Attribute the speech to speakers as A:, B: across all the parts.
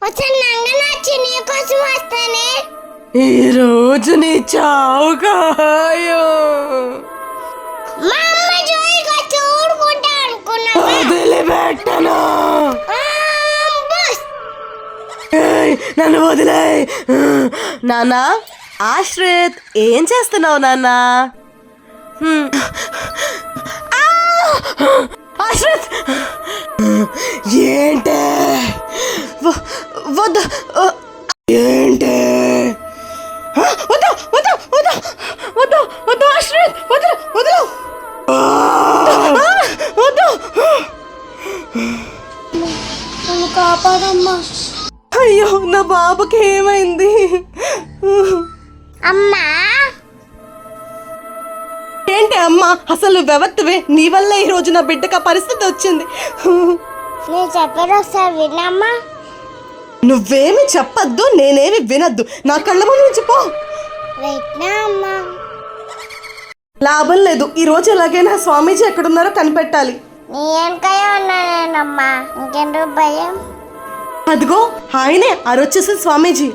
A: ఈ రోజు నీ చావు కాయో వదిలిపెట్టను. నన్ను వదిలే. నాన్నా, ఆశ్రిత్ ఏం చేస్తున్నావు నాన్నా? ఆశ్రిత్ ఏంటే వద్దు, ఏంటే వద్దు వద్దు వద్దు వద్దు వద్దు ఆశ్రిత్ వద్దు వద్దు వద్దు. కాపాడమ్మా. అయ్యో, నా బాబుకి ఏమైంది?
B: అమ్మా
A: ఏంటి అమ్మా, అసలు వ్యవత్తువే. నీ వల్ల ఈ రోజు నా బిడ్డకు ఆ పరిస్థితి వచ్చింది.
B: నేను చెప్పేది ఒకసారి వినమ్మా.
A: నువ్వేమి చెప్పద్దు, నేనేమి వినద్దు. నా కళ్ళ ముందు నుంచి పో.
B: అమ్మా
A: లాభం లేదు. ఈ రోజు ఎలాగైనా స్వామీజీ ఎక్కడున్నారో కనిపెట్టాలి.
B: నీ వెనకాయ ఉన్నానేనమ్మా, ఇంకెందుకు భయం?
A: అదిగో ఆయనే, అరొచ్చేసిన స్వామీజీ.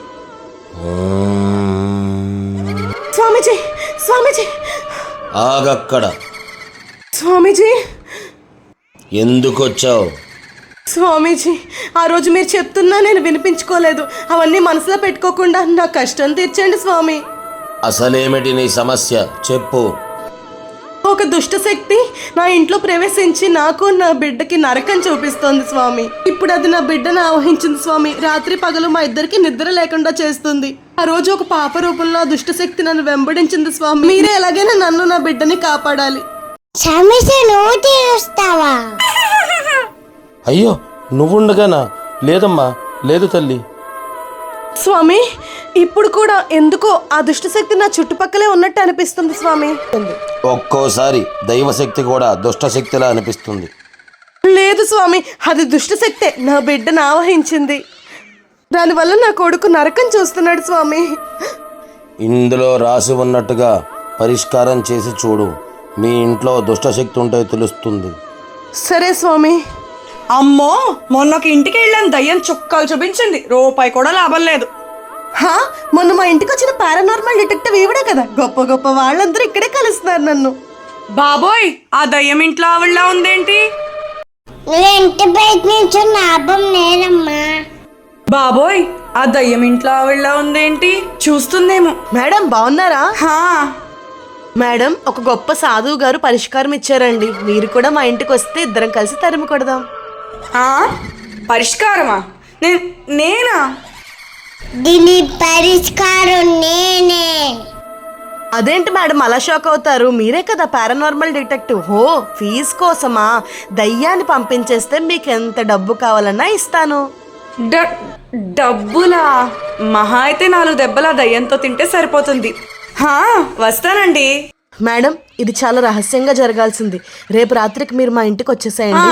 A: స్వామీజీ స్వామీజీ
C: ఆగక్కడ.
A: స్వామీజీ
C: ఎందుకు వచ్చావు?
A: స్వామీజీ, ఆ రోజు మీరు చెప్తున్నా నేను వినిపించుకోలేదు. అవన్నీ మనసులో పెట్టుకోకుండా నా కష్టం తీర్చండి స్వామి.
C: అసలేమిటి నీ సమస్య చెప్పు.
A: ఒక దుష్ట శక్తి నా ఇంట్లో ప్రవేశించి నాకు నా బిడ్డకి నరకం చూపిస్తోంది స్వామి. ఇప్పుడు అది నా బిడ్డను ఆవహించింది స్వామి. రాత్రి పగలు మా ఇద్దరికి నిద్ర లేకుండా చేస్తుంది. ఆ రోజు ఒక పాప రూపంలో ఆ దుష్ట శక్తి నన్ను వెంబడించింది స్వామి. మీరే ఎలాగైనా నన్ను నా బిడ్డని కాపాడాలి.
C: అయ్యో, నువ్వుండగానా? లేదమ్మా, లేదు తల్లి.
A: స్వామి, ఇప్పుడు కూడా ఎందుకో ఆ దుష్టశక్తి నా చుట్టుపక్కలే ఉన్నట్టు అనిపిస్తుంది స్వామి.
C: ఒక్కోసారి దైవశక్తి కూడా దుష్టశక్తిలా అనిపిస్తుంది.
A: లేదు స్వామి, అది దుష్టశక్తే నా బిడ్డను ఆవహించింది. దానివల్ల నా కొడుకు నరకం చూస్తున్నాడు స్వామి.
C: ఇందులో రాసి ఉన్నట్టుగా పరిష్కారం చేసి చూడు. మీ ఇంట్లో దుష్టశక్తి ఉంటే తెలుస్తుంది.
A: సరే స్వామి.
D: అమ్మో, మొన్నొక ఇంటికి వెళ్ళాను, దయ్యం చుక్కలు చూపించింది, రూపాయి కూడా లాభం లేదు.
A: మొన్న మా ఇంటికి వచ్చిన పారానార్మల్ డిటెక్టివ్ ఈవిడే కదా. గొప్ప గొప్ప వాళ్ళందరూ ఇక్కడే కలుస్తున్నారు నన్ను.
D: బాబోయ్, ఆ దయ్యం ఇంట్లో ఆవిడలా ఉందేంటి?
B: ఇంటి బయట నుంచి లాభం లేదమ్మా.
D: బాబోయ్, ఆ దయ్యం ఇంట్లో ఆవిడలా ఉందేంటి? చూస్తుందేమో.
A: మేడం బాగున్నారా?
D: హా
A: మేడం, ఒక గొప్ప సాధువు గారు పరిష్కారం ఇచ్చారండి. మీరు కూడా మా ఇంటికి వస్తే ఇద్దరం కలిసి తరిమి కొడదాం.
D: పరిష్కారమా? నేనా?
B: దీని పరిష్కారం నేనే.
A: అదేంటి మేడం అలా షాక్ అవుతారు? మీరే కదా పారానార్మల్ డిటెక్టివ్. హో, ఫీజు కోసమా? దయ్యాన్ని పంపించేస్తే మీకు ఎంత డబ్బు కావాలన్నా ఇస్తాను.
D: డబ్బులా? మహా అయితే 4 దెబ్బల దయ్యంతో తింటే సరిపోతుంది. వస్తానండి.
A: మేడం, ఇది చాలా రహస్యంగా జరగాల్సింది. రేపు రాత్రికి మీరు మా ఇంటికి వచ్చేసేయండి.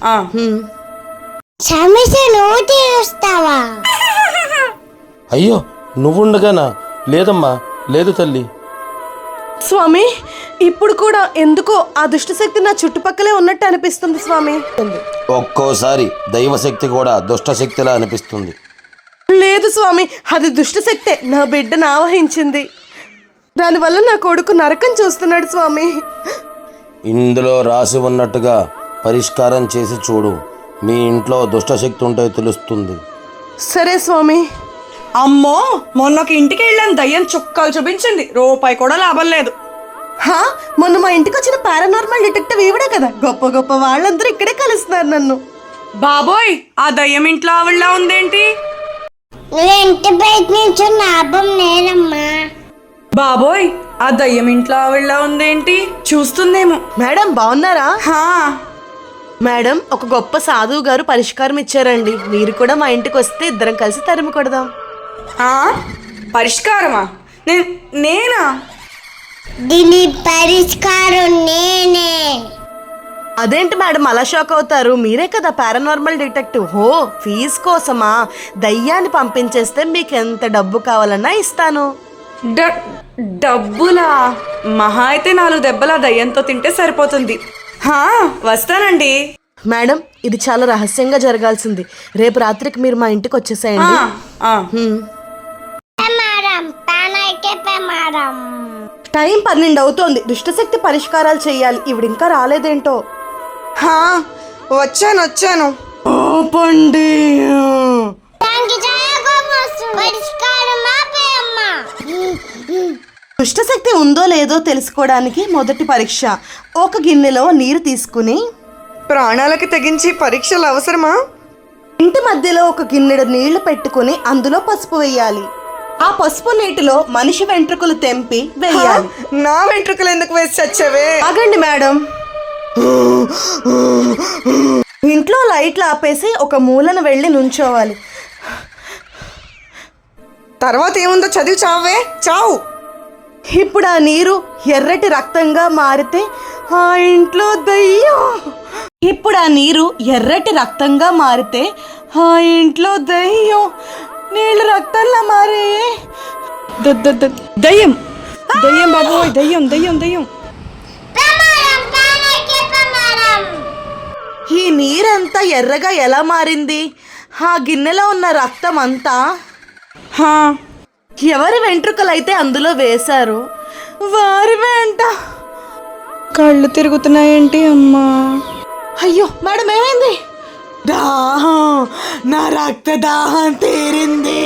C: అయ్యో, నువ్వుండగానా? లేదమ్మా, లేదు తల్లి.
A: స్వామి, ఇప్పుడు కూడా ఎందుకో ఆ దుష్టశక్తి నా చుట్టుపక్కలే ఉన్నట్టు అనిపిస్తుంది స్వామి.
C: ఒక్కోసారి దైవశక్తి కూడా దుష్టశక్తిలా అనిపిస్తుంది.
A: లేదు స్వామి, అది దుష్టశక్తే నా బిడ్డను ఆవహించింది. దానివల్ల నా కొడుకు నరకం చూస్తున్నాడు స్వామి.
C: ఇందులో రాసి ఉన్నట్టుగా పరిష్కారం చేసి చూడు. మీ ఇంట్లో దుష్టశక్తి ఉంటే తెలుస్తుంది.
A: సరే స్వామి.
D: అమ్మో, మొన్నొక ఇంటికి వెళ్ళాను, దయ్యం చుక్కలు చూపించింది, రూపాయి కూడా లాభం లేదు.
A: మొన్న మా ఇంటికి వచ్చిన పారానార్మల్ డిటెక్టివ్ ఈవిడే కదా. గొప్ప గొప్ప వాళ్ళందరూ ఇక్కడే కలుస్తున్నారు నన్ను.
D: బాబోయ్, ఆ దయ్యం ఇంట్లో ఆవిడలా ఉందేంటి?
B: ఇంటి బయట నుంచి లాభం లేదమ్మా.
D: బాబోయ్, ఆ దయ్యం ఇంట్లో ఆవిడలా ఉందేంటి? చూస్తుందేమో.
A: మేడం బాగున్నారా?
D: మేడం,
A: ఒక గొప్ప సాధువు గారు పరిష్కారం ఇచ్చారండి. మీరు కూడా మా ఇంటికి వస్తే ఇద్దరం కలిసి తరిమి కొడదాం.
D: పరిష్కారమా? నేనా?
B: దీని పరిష్కారం నేనే.
A: అదేంటి మేడం అలా షాక్ అవుతారు? మీరే కదా పారానార్మల్ డిటెక్టివ్. హో, ఫీజు కోసమా? దయ్యాన్ని పంపించేస్తే మీకు ఎంత డబ్బు కావాలన్నా ఇస్తాను.
D: డబ్బులా? మహా అయితే 4 దెబ్బల దయ్యంతో తింటే సరిపోతుంది. వస్తానండి.
A: మేడం ఇది చాలా రహస్యంగా జరగాల్సింది. రేపు రాత్రికి మీరు మా ఇంటికి వచ్చేసేయండి.
B: ప్రమాదం పానైతే ప్రమాదం.
A: టైం 12 అవుతోంది. దుష్టశక్తి పరిష్కారాలు చేయాలి. ఇవిడ ఇంకా రాలేదేంటో.
D: వచ్చాను.
A: పండి
B: దానికి చాలా కోపం వస్తుంది. పరిష్కారం ఆపేయమ్మా.
A: దుష్టశక్తి ఉందో లేదో తెలుసుకోవడానికి మొదటి పరీక్ష. ఒక గిన్నెలో నీరు తీసుకుని
D: ప్రాణాలకు తెగించి పరీక్షలు అవసరమా?
A: ఇంటి మధ్యలో ఒక గిన్నెడు నీళ్లు పెట్టుకుని అందులో పసుపు వేయాలి. ఆ పసుపు నీటిలో మనిషి వెంట్రుకలు తెంపి వేయాలి.
D: నా వెంట్రుకలు ఎందుకు వేసి చచ్చావే?
A: ఆగండి మేడం. ఇంట్లో లైట్లు ఆపేసి ఒక మూలను వెళ్ళి నుంచోవాలి.
D: తర్వాత ఏముందో చదివి చావే, చావు.
A: ఇప్పుడు ఆ నీరు ఎర్రటి రక్తంగా మారితే ఆ ఇంట్లో దయ్యం. ఇప్పుడు ఆ నీరు ఎర్రటి రక్తంగా మారితే ఆ ఇంట్లో దయ్యం. నీళ్ళు రక్తంలా మారే.
D: దయ్యం బాబోయ్, దయ్యం.
B: ప్రమాదం పానైతే ప్రమాదం.
A: ఈ నీరంతా ఎర్రగా ఎలా మారింది? ఆ గిన్నెలో ఉన్న రక్తం అంతా ఎవరి వెంట్రుకలైతే అందులో వేశారు వారి వెంట.
D: కళ్ళు తిరుగుతున్నాయేంటి అమ్మా?
A: అయ్యో మేడం ఏమైంది? దాహం, నా రక్త దాహం తీరింది.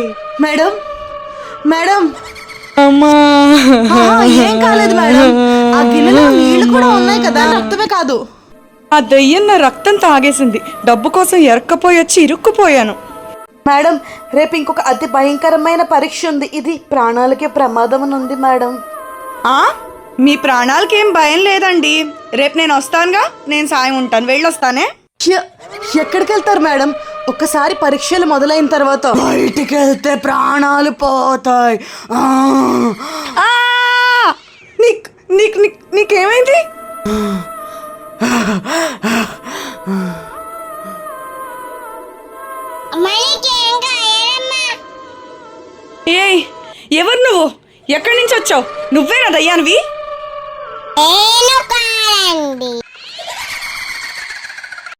A: మేడం
D: అమ్మా,
A: ఏం కాలేదు మేడం. ఆ గిన్నెలో నీళ్లు కూడా ఉన్నాయి కదా, రక్తమే కాదు.
D: ఆ దయ్యం నా రక్తం తాగేసింది. డబ్బు కోసం ఎరక్కపోయి వచ్చి ఇరుక్కుపోయాను.
A: మేడం రేపు ఇంకొక అతి భయంకరమైన పరీక్ష ఉంది. ఇది ప్రాణాలకే ప్రమాదం ఉంది మేడం.
D: మీ ప్రాణాలకి ఏం భయం లేదండి. రేపు నేను వస్తానుగా, నేను సాయం ఉంటాను. వెళ్ళొస్తానే.
A: ఎక్కడికి వెళ్తారు మేడం? ఒక్కసారి పరీక్షలు మొదలైన తర్వాత బయటికి వెళ్తే ప్రాణాలు పోతాయి.
D: నీకేమైంది? ఏయ్, ఎవరు నువ్వు? ఎక్కడి నుంచి వచ్చావు? నువ్వేనా దయ్యానివి?
B: నేను కాదండి.